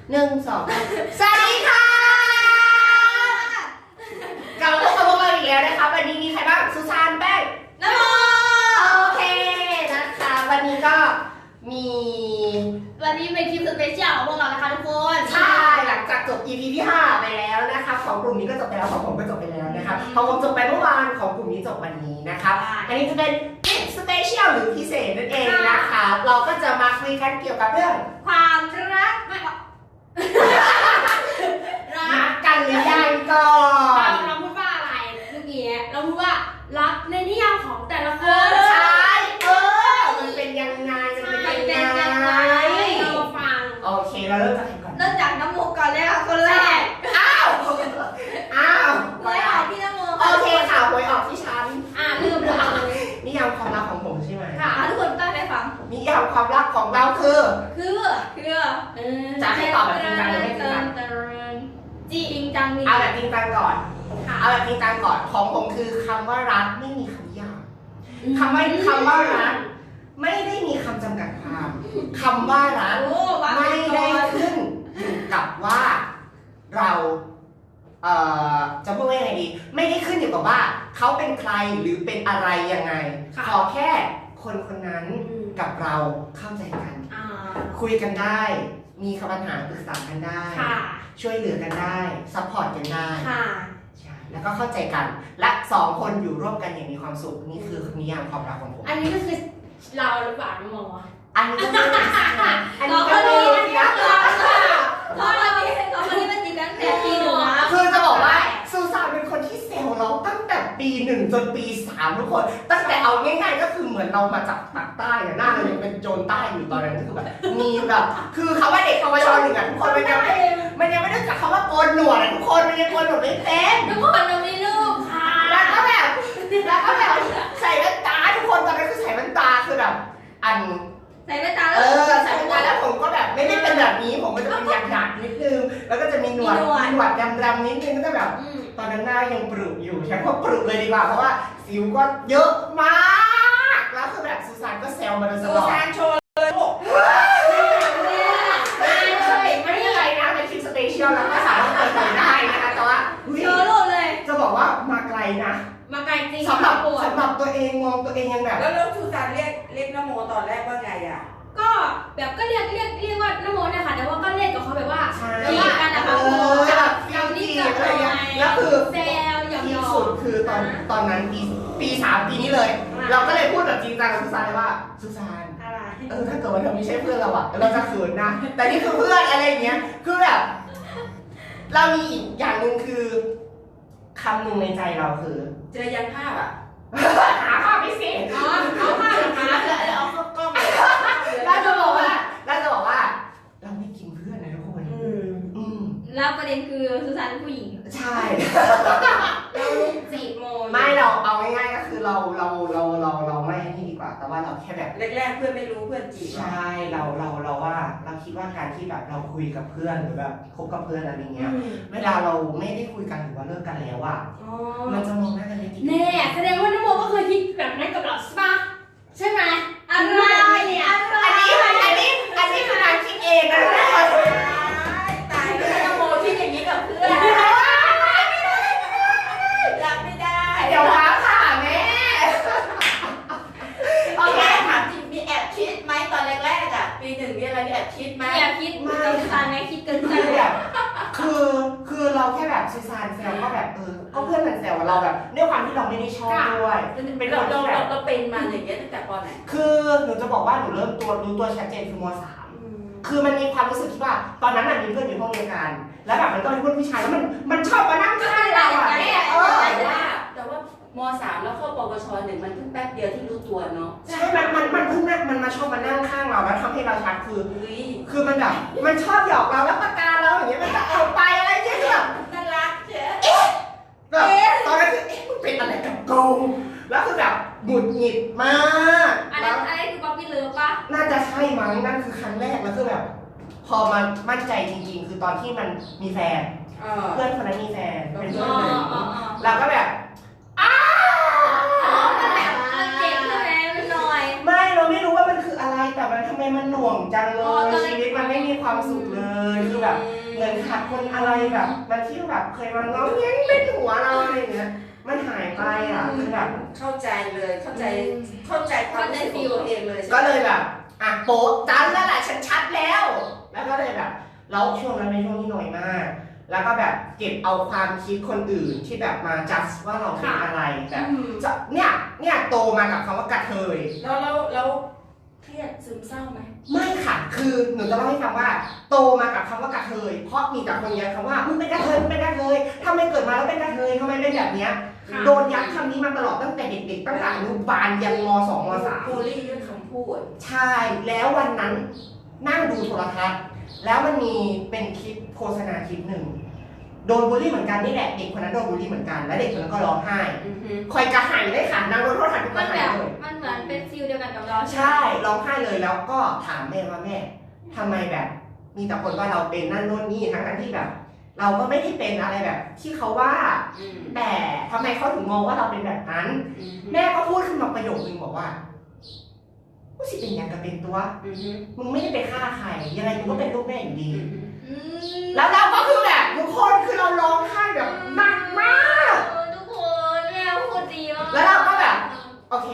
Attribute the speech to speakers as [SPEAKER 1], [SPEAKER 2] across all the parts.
[SPEAKER 1] 1 2สวัสดีค่ะกลับมาพบกับพวกเราอีกแล้วนะคะวันนี้มีใครบ้างสุสานแป้งน้ำโมโอเคนะคะวันนี้ก็มี
[SPEAKER 2] เป็นคลิปสเปเชียลของพวกเรานะคะทุกคน
[SPEAKER 1] ใช่หลังจากจบ EP ที่ 5ไปแล้วนะคะของกลุ่มนี้ก็จบไปแล้วของผมก็จบไปแล้วนะคะของผมจบไปเมื่อวานของกลุ่มนี้จบวันนี้นะคะอันนี้จะเป็นคลิปสเปเชียลหรือพิเศษนั่นเองนะคะเราก็จะมาคุยกันเกี่ยวกับเรื่อง
[SPEAKER 2] ความรักไม่
[SPEAKER 1] รักกันหรือยังก่อน
[SPEAKER 2] เราพูดว่าอะไรเมื่อกี้เราพูดว่ารักในนิยามของแต่ละคน
[SPEAKER 1] ใช่มันเป็นยังไง
[SPEAKER 2] เราฟัง
[SPEAKER 1] โอเคเราเริ่มจากใครก่อน
[SPEAKER 2] เริ่มจากน้ำโมก่อนเลยค่ะคนแรก
[SPEAKER 1] อ้าว
[SPEAKER 2] หวยออกที่น้ำโม
[SPEAKER 1] โอเคค่ะหวยออกที่ฉัน
[SPEAKER 2] ลืมเลย
[SPEAKER 1] นิยามความรักของผมใช่ไหม
[SPEAKER 2] ค่ะทุกคนตั้งใจฟัง
[SPEAKER 1] นิยามความรักของเราคือจะให้ตอบแบบจริงจังหรือไม่จริงจัง
[SPEAKER 2] จริงจังนี่
[SPEAKER 1] เอาแบบจริงจังก่อนของผมคือคำว่ารักไม่มีคำนิยามคำว่ารักไม่ได้มีคำจำกัดความคำว่ารักไม่ได้ขึ้นอยู่กับว่าเราจะพูดว่ายังไงดีไม่ได้ขึ้นอยู่กับว่าเขาเป็นใครหรือเป็นอะไรยังไงขอแค่คนคนนั้นกับเราเข้าใจกันคุยกันได้มีคำปัญหาปรึกษากันได้ช่วยเหลือกันได้ซัพพอร์ตกันได้ใช่แล้วก็เข้าใจกันและ2 คนอยู่ร่วมกันอย่างมีความสุขนี่คือนิยามความรักของผม
[SPEAKER 2] อันนี้ก็คือเราหรือเปล่าน้องโม
[SPEAKER 1] อันนี้ก็ไม่ได้อันนี้ก็ไม่ได้
[SPEAKER 2] เพราะเราที่มันจีกันแต่ปี1นะ
[SPEAKER 1] คือจะบอกว่าซูซานเป็นคนที่เซลล์เราตั้งแต่ปี1จนปี3ทุกคนตั้งแต่เอาง่ายๆก็คือเหมือนเรามาจากปากใต้หน้าเรายังเป็นโจรใต้อยู่ตอนนั้นคือแบบมีแบบคือคำว่าเด็กปวช1ทุกคนมันยังไม่ได้จากคำว่าโกนหนวดทุกคนมันยังโกนหนวดไม่เป็น
[SPEAKER 2] ทุกคนเรามีลูกค่ะ
[SPEAKER 1] แล้วก็แบบใส่แว่นตาทุกคนตอนนั้นคือใส่แว่นตาคือแบบ
[SPEAKER 2] ใส่แว่นตา
[SPEAKER 1] ใส่แว่นตาแล้วผมก็แบบไม่ได้เป็นแบบนี้ผมก็จะเป็นหยักนิดนึงแล้วก็จะมีหนวดดำนิดนึงก็จะแบบตอนนั้นหน้ายังปรุอยู่ใช้คำว่าปรุเลยดีกว่าเพราะว่าสิวก็เยอะมากแล้วคือแบบซูซานก็แซวมาโดยตลอด
[SPEAKER 3] ซูซานโชว์เลยลูก
[SPEAKER 1] ไม่ได้อะไรนะเป็นคลิปสเปเชียลแล้วก็สามารถเปิดเผยได้นะคะแต่ว่า
[SPEAKER 2] โชว์รูปเลย
[SPEAKER 1] จะบอกว่ามาไกลนะ
[SPEAKER 2] มาไกลจริง
[SPEAKER 1] สำหรับตัวเองมองตัวเองยังแบบ
[SPEAKER 3] แล้วซูซานเรียกนโมตอนแรกว่าไงอ่ะ
[SPEAKER 2] ก็แบบก็เรียกว่านโมเนี่ยค่ะแต่ว่าก็เล่นกับเขาแบบว่า
[SPEAKER 1] จีบ
[SPEAKER 2] กันนะคะ
[SPEAKER 1] เรานี่กับอะไรเงี้ยแล้วคือ
[SPEAKER 2] แซวหยอก
[SPEAKER 1] ที่สุดคือตอนนั้นปี3ปีนี้เลยเราก็เลยพูดแบบจริงจังกับซูซานเลยว่าซูซานถ้าเกิดว่าเธอไม่ใช่เพื่อนเราอะเราจะเขินนะแต่นี่คือเพื่อนอะไรเงี้ยคือแบบเรามีอีกอย่างหนึ่งคือคำหนึ่งในใจเราคือ
[SPEAKER 3] เจอยันภาพอ่ะ
[SPEAKER 1] หาภาพไม่สิ
[SPEAKER 2] เอาภาพหา
[SPEAKER 3] แล้วเอากล้องเลย
[SPEAKER 1] แล้วจะบอกว่าเราไม่กินเพื่อนนะทุกคน
[SPEAKER 2] แล้วประเด็นคือซูซานเป็นผู้หญิง
[SPEAKER 1] ใช่
[SPEAKER 2] เรา4 โมง
[SPEAKER 1] ไม่เราเอาง่ายๆก็คือเราไม่นี่ดีกว่าแต่ว่าเราแค่แบบ
[SPEAKER 3] แรกๆเพื่อนไม่รู้เพื่อนจีบ
[SPEAKER 1] ใช่เราว่าเราคิดว่าการที่แบบเราคุยกับเพื่อนหรือแบบคบกับเพื่อนอะไรเงี้ยเวลาเราไม่ได้คุยกันหรือว่าเลิกกันแล้วอ่ะมันจะมองหน้ากันไม่ติด
[SPEAKER 2] แน่แสดงว่าน้ำโมก็เคยคิดแบบนั้นกับเราใช่ปะใช่ไหมอะไรเนี่ย
[SPEAKER 1] อันนี้คือนางคิดเองนะ
[SPEAKER 3] ตายแล้วนโมคิดอย่างนี้กับเพื่อนรับไม่ได้
[SPEAKER 1] เดี๋ยวหาค่ะแม่
[SPEAKER 3] โอเคถามจริงมีแอบคิดไหมตอนแรกๆอ่ะปี1มีอะไรแอบคิดไหม
[SPEAKER 2] แอบคิดเกินตาไหมคิดเกินใจ
[SPEAKER 1] แบบคือเราแค่แบบซูซานแซวก็แบบก็เพื่อนมันแซวเราแบบด้วยความที่เราไม่ได้ชอบด้วย
[SPEAKER 3] เป็นคนที่แบบเราเป็นมาอย่างเงี้ยตั้งแต่ป.ไหน
[SPEAKER 1] คือหนูจะบอกว่าหนูเริ่มรู้ตัวชัดเจนคือม.3คือมันมีความรู้สึกที่ว่าตอนนั้นมีเพื่อนอยู่ห้องเดียวกันแล้วแบบมันก็เป็นเพื่อนผู้ชายแล้วมันชอบมานั่งข้างเราอ่ะ
[SPEAKER 3] แต่ว่าม.3แล้วเข้าปวช1มันเพิ่งแป๊บเดียวที่รู้ตัวเนาะ
[SPEAKER 1] ใช่มันเพิ่งมันมาชอบมานั่งข้างเราแล้วทำให้เราชัดคือมันแบบมันชอบหยอกเราแล้วประกาเราอย่างเงี้ยมันจะเอาไปอะไรเงี้ยแบบ
[SPEAKER 3] น่ารักเจ๊
[SPEAKER 1] แบบตอนนั้นคือมึงเป็นอะไรกับกูแล้วคือแบบหงุดหงิดมาก
[SPEAKER 2] อะไรคือป๊อปปี้เลิฟป่ะ
[SPEAKER 1] น่าจะใช่มั้งนั่นคือครั้งแรกแล้วคือแบบพอมันมั่นใจจริงๆคือตอนที่มันมีแฟนเพื่อนคนนั้นมีแฟนเป็นเพื่อนเลยเราก็แบบไม่เราไม่รู้ว่ามันคืออะไรแต่มันทำไมมันหน่วงจังเลยชีวิตมันไม่มีความสุขเลยคือแบบเหมือนขาดคนอะไรแบบมันที่แบบเคยมาง้อแง้งเล่นหัวเราอะไรอย่างเงี้ยมันหายไปอ่ะคือแบบ
[SPEAKER 3] เข้าใจเลยเข้าใจความรู้สึกของตัวเองเลยใช่ไหม
[SPEAKER 1] ก็เลยแบบอ่ะโป๊ะจันแล้วแหละฉันชัดแล้ว แล้วก็เลยแบบแล้วช่วงนั้นเป็นช่วงที่หน่อยมาก แล้วก็แบบเก็บเอาความคิดคนอื่นที่แบบมาจัดว่าเราเป็นอะไรแบบจะเนี่ยโตมากับคำว่ากระเทย
[SPEAKER 3] แล้วเครียดซึมเศร้าไหม
[SPEAKER 1] ไม่ค่ะคือหนูจะเล่าให้ฟังว่าโตมากับคำว่ากระเทยเพราะมีแต่คนยัดคำว่ามึงเป็นกระเทยมึงเป็นกระเทยทำไมเกิดมาแล้วเป็นกระเทยทำไมเป็นแบบเนี้ยโดนยัดคำนี้มาตลอดตั้งแต่เด็กๆตั้งแต่อนุบาลยันม.2 ม.3
[SPEAKER 3] บูลลี่ด้วยคำพูด
[SPEAKER 1] ใช่แล้ววันนั้นนั่งดูโทรทัศน์แล้วมันมีเป็นคลิปโฆษณาคลิปหนึ่งโดนบูลลี่เหมือนกันนี่แหละเด็กคนนั้นโดนบูลลี่เหมือนกันและเด็กคนนั้นก็ร้องไห้คอยกระหายเลยค่ะนางโดนโทษทันทุกก
[SPEAKER 2] มั
[SPEAKER 1] ระ
[SPEAKER 2] น
[SPEAKER 1] หา
[SPEAKER 2] แบ
[SPEAKER 1] ย
[SPEAKER 2] บ
[SPEAKER 1] เลย
[SPEAKER 2] มันเหมือนเป็นฟิลเดียวกันกับเรา
[SPEAKER 1] ใช่ร้องไห้เลยแล้วก็ถามแม่ว่าแม่ทำไมแบบ มีแต่คนว่าเราเป็นนั่นนู่นนี่ทั้งที่แบบ เราก็ไม่ได้เป็นอะไรแบบ ที่เขาว่าแต่ทำไมเขาถึงมองว่าเราเป็นแบบนั้น แม่ก็พูดขึ้นมาประโยคนึงบอกว่ากูสิเป็นอย่างกับเป็นตัวมึงไม่ได้ไปฆ่าใครยังไงมึงก็เป็นลูกแม่อยู่ดี แล้วเราก็คือแบบทุกคนคือเราร้องไห้แบบหนักมาก
[SPEAKER 2] ทุกคนแม่พูดดีมาก
[SPEAKER 1] แล้วเราก็แบบโอเค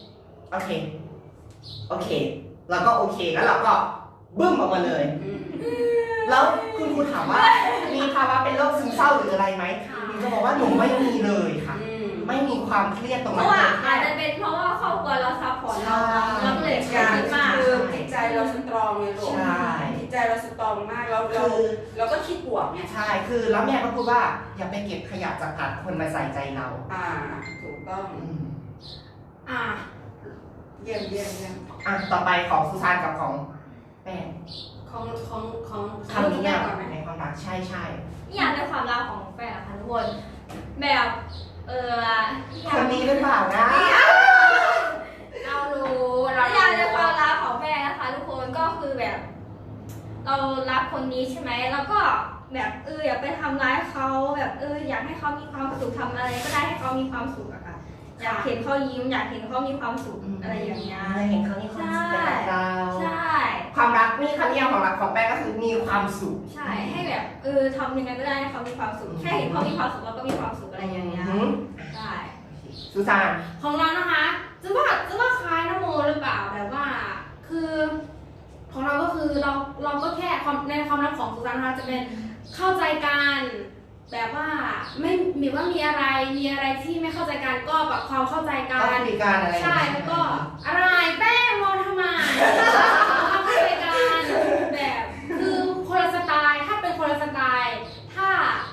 [SPEAKER 1] แล้วก็โอเคแล้วเราก็บึ้มออกมาเลย แล้วคุณครูถามว่ามีภาวะเป็นโรคซึมเศร้าหรืออะไรไหมหนูจะบอกว่าหนูไม่มีเลยค่ะ ไม่มีความเครียดตรง
[SPEAKER 2] เพ
[SPEAKER 1] นั้
[SPEAKER 2] ราะ
[SPEAKER 1] น
[SPEAKER 2] ว่า
[SPEAKER 1] เลย
[SPEAKER 2] อาจจะเป็นเพราะว่าครอบครัวเราซัพพอร์ตเราเราก็เลยเครียดมาก
[SPEAKER 3] คือจิตใจเราสตรองเลยลูก
[SPEAKER 1] ใช่
[SPEAKER 3] จิตใจเราสตรองมากแล้วเราก็คิดบวกเนี่ย
[SPEAKER 1] ใช่คือแล้วแม่ก็พูดว่าอย่าไปเก็บขยะจากตัดคนมาใส่ใจเรา
[SPEAKER 3] ถูกต้อง
[SPEAKER 2] อ่า
[SPEAKER 3] เยี่ยม
[SPEAKER 1] ต่อไปของซูซานกับของแป้
[SPEAKER 2] ของ
[SPEAKER 1] คำนิยาม
[SPEAKER 2] ก่อนไหม
[SPEAKER 1] ในความรักใช่
[SPEAKER 2] นิยามในความรักของแฟนนะคะทุกคนแบบ
[SPEAKER 1] คนนี้หรือเปล่านะ
[SPEAKER 2] เรารู้นิยามในความรักของแฟนนะคะทุกคนก็คือแบบ เรารักคนนี้ใช่ไหมแล้วก็แบบอย่าไปทำร้ายเขาแบบอยากให้เขามีความสุขทำอะไรก็ได้ให้เขามีความสุขอะค่ะอยากเห็นเขายิ้มอยากเห็นเขามีความสุขอะไรอย่างเงี้ย
[SPEAKER 1] เห็นเขามีความสุขไปกับเรา
[SPEAKER 2] ใช่
[SPEAKER 1] ความรักนี่คำนิยามของรักของแป้งก็คือมีความสุข
[SPEAKER 2] ใช่ให้แบบทำยังไงก็ได้ให้เขามีความสุขแค่เห็นเขามีความสุขเราก็มีความสุขอะไรอย่างเงี้ยใช่
[SPEAKER 1] ซูซาน
[SPEAKER 2] ของเรานะคะจะว่าคล้ายนโมหรือเปล่าแบบว่าคือของเราก็คือเราก็แค่ในความรักของสุสานนะคะจะเป็นเข้าใจกันแบบว่าไม่มีว่ามีอะไรที่ไม่เข้าใจกันก็ปรับความเข้าใจกั
[SPEAKER 1] ก็
[SPEAKER 2] น
[SPEAKER 1] คุยกันอะไร
[SPEAKER 2] ใช่แล้วก็อะไรแป้งมองทำไมความเข้าใจกันแบบคือคนละสไตล์ถ้าเป็นคนละสไตล์ถ้า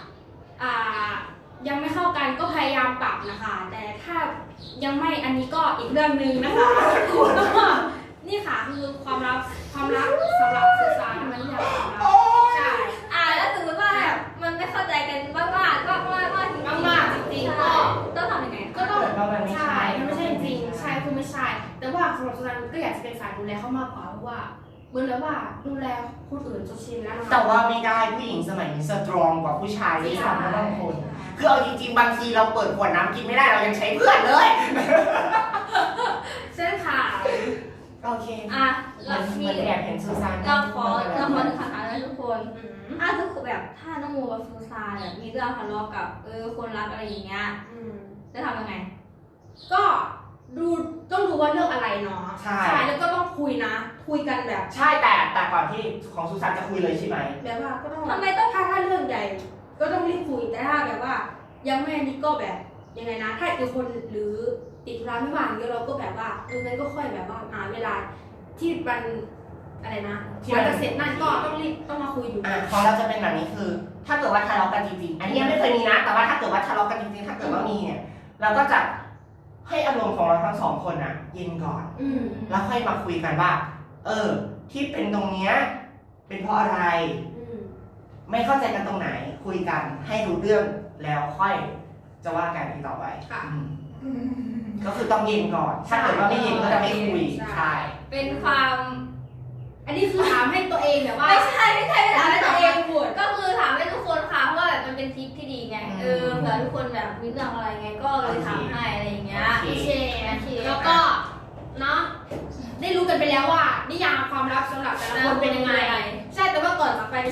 [SPEAKER 2] ยังไม่เข้ากันก็พยายามปรับนะคะแต่ถ้ายังไม่อันนี้ก็อีกเรื่องหนึ่งนะคะก็นี่ค่ะคือความรักสำหรับสื่อสารมันอยากใช่แล้วสมมติว่าแบบมันไม่เข้าใจกันมากๆจริงๆก็ต้องทำยังไงก็ต้องใช่มันไม่ใช่จริงใช่คือไม่ใช่แต่ว่าสำหรับสื่อสารก็อยากจะเป็นสายดูแลเขามากกว่าเพราะว่าเหมือนแล้วว่าดูแลคนอื่นจนชินแล้วนะคะ
[SPEAKER 1] แต่ว่าไม่ได้ผู้หญิงสมัยนี้สตรองกว่าผู้ชายที่ทำนะบางคน คือเอาจริงๆบางทีเราเปิดขวดน้ำกินไม่ได้เรายังใช้เพื่อนเลย
[SPEAKER 2] เส้นขา
[SPEAKER 1] โอเค
[SPEAKER 2] เรามี
[SPEAKER 1] เหมือนแอบเห็นซูซาน
[SPEAKER 2] เราขอหนึ่งคำถามนะทุกคนทุกคนแบบถ้าน้องโมกับซูซานแบบมีเรื่องทะเลาะกับคนรักอะไรอย่างเงี้ยจะทำยังไงก็ต้องดูว่าเรื่องอะไรเนาะใช่แล้วก็ต้องคุยกันแบบ
[SPEAKER 1] ใช่แต่ก่อนที่ของซูซานจะคุยเลยใช่ไหม
[SPEAKER 2] แบบว่าก็ต้องทำไมต้องถ้าเรื่องใหญ่ก็ต้องรีบคุยแต่ถ้าแบบว่ายังไม่นี่ก็แบบยังไงนะถ้าอีกคนหรือติดธุระไม่ว่างเดี๋ยวเราก็แบบว่างั้นก็ค่อยแบบว่าเวลาที่มันอะไรนะที่มันจะเสร็จนั่นก็ต้องมาคุยอยู่
[SPEAKER 1] ของเราจะเป็นแบบนี้คือ ถ้าเกิดว่าทะเลาะกันจริงๆอันนี้ยังไม่เคยมีนะแต่ว่าถ้าเกิดว่าทะเลาะกันจริงๆถ้าเกิดว่ามีเนี่ยเราก็จะให้อารมณ์ของเราทั้งสองคนอ่ะเย็นก่อนแล้วค่อยมาคุยกันว่าที่เป็นตรงเนี้ยเป็นเพราะอะไรไม่เข้าใจกันตรงไหนคุยกันให้รู้เรื่องแล้วค่อยจะว่ากันอีกต่อไปก็คือต้องเย็นก่อนถ้าเกิดว่าไม่เย็นก็จะไม่คุยใช่
[SPEAKER 2] เป็นความอันนี้คือถามให้ตัวเองแบบว่าไม่ใช่ถามให้ตัวเองพูดก็คือถามให้ทุกคนค่ะเพราะว่าแบบมันเป็นทิปที่ดีไงเผื่อทุกคนแบบมีเรื่องอะไรไงก็เลยถามให้อะไรอย่างเงี้ยโอเคแล้วก็เนาะได้รู้กันไปแล้วว่านิยามความรักสำหรับแต่ละคนเป็นยังไงใช่แต่ว่าก่อนจากไปดิฉ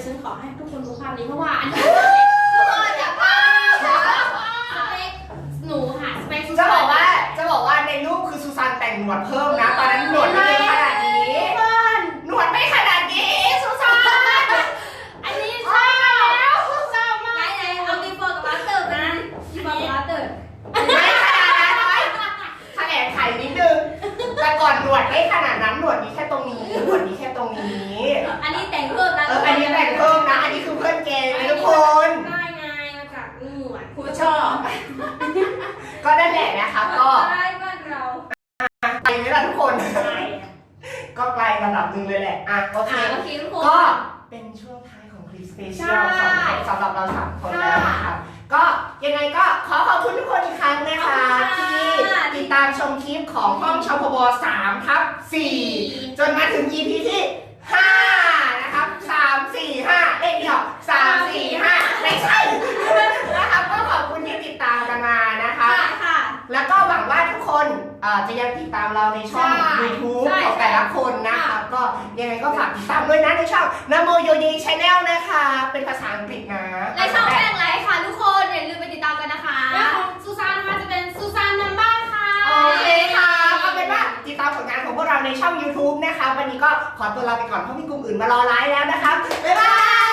[SPEAKER 2] ฉันขอให้ทุกคนดูภาพนี้เพราะว่าอันนี้
[SPEAKER 1] ทุกคนอย่าพลาด
[SPEAKER 2] สเปคหนูค่ะสเปค
[SPEAKER 1] จะบอกว่าในรูปคือซูซานแต่งหนวดเพิ่มนะตอนนั้นหนวดไม่เยอะขนาดนี้หนวดไม่ขนาดนี้ซูซาน
[SPEAKER 2] อันนี้ใช่แล้วชอบมากไหนเอาบีโฟกับอัฟเตอร์นะบีโฟกับอัฟเตอร์
[SPEAKER 1] ไม่ขนาดนั้นเลยแถลงไขนิดนึงแต่ก่อนหนวดไม่ขนาดนั้นหนวดมีแค่ตรงนี้หนวดมีแค่ตรงนี้
[SPEAKER 2] อันนี้แต่งเพิ่มนะ
[SPEAKER 1] อันนี้แต่งเพิ่มนะอันนี้คือเพื่อนเกย์นะทุกคน
[SPEAKER 2] ได้ไงมาจากหนวด
[SPEAKER 3] ครูชอบ
[SPEAKER 1] ก็นั่นแหละนะคะก็
[SPEAKER 2] ได้บ้านเรา
[SPEAKER 1] ไปไหมล่ะทุกคน
[SPEAKER 2] ใช่
[SPEAKER 1] ก็ไกลระดับหนึ่งเลยแหละอ่ะโอเค
[SPEAKER 2] โอเคทุกคน
[SPEAKER 1] ก็เป็นช่วงท้ายของคลิปสเปเชียลสำหรับเราสามคนแล้วนะคะก็ยังไงก็ขอขอบคุณทุกคนอีกครั้งนะคะที่ติดตามชมคลิปของห้องชพบ3/4จนมาถึง EP ที่ 5 นะครับ3 4 5เลขเดียว3 4 5ไม่ใช่นะครับก็ขอบคุณที่ติดตามกันมานะคะ
[SPEAKER 2] ค่ะ
[SPEAKER 1] แล้วก็หวังว่าทุกคนจะยังติดตามเราในช่อง YouTube
[SPEAKER 2] ใช่
[SPEAKER 1] ของแต่ละคนนะคะก็ยังไงก็ฝากติดตามด้วยนะในช่องนโมโยดีชาแนลนะคะ เป็นภาษาอังกฤษนะ
[SPEAKER 2] ในช่องแป้งไลฟ์ค่ะทุกคนอย่าลืมไปติดตามกันนะคะแล้วของซูซานนะคะจะเป็นซูซานนัมบ้าค่ะ
[SPEAKER 1] โอเคค่ะเอาเป็นว่าติดตามผลงานของพวกเราในช่อง YouTube นะคะ วันนี้ก็ขอตัวลาไปก่อนเพราะมีกลุ่มอื่นมารอไลฟ์แล้วนะคะบ๊ายบาย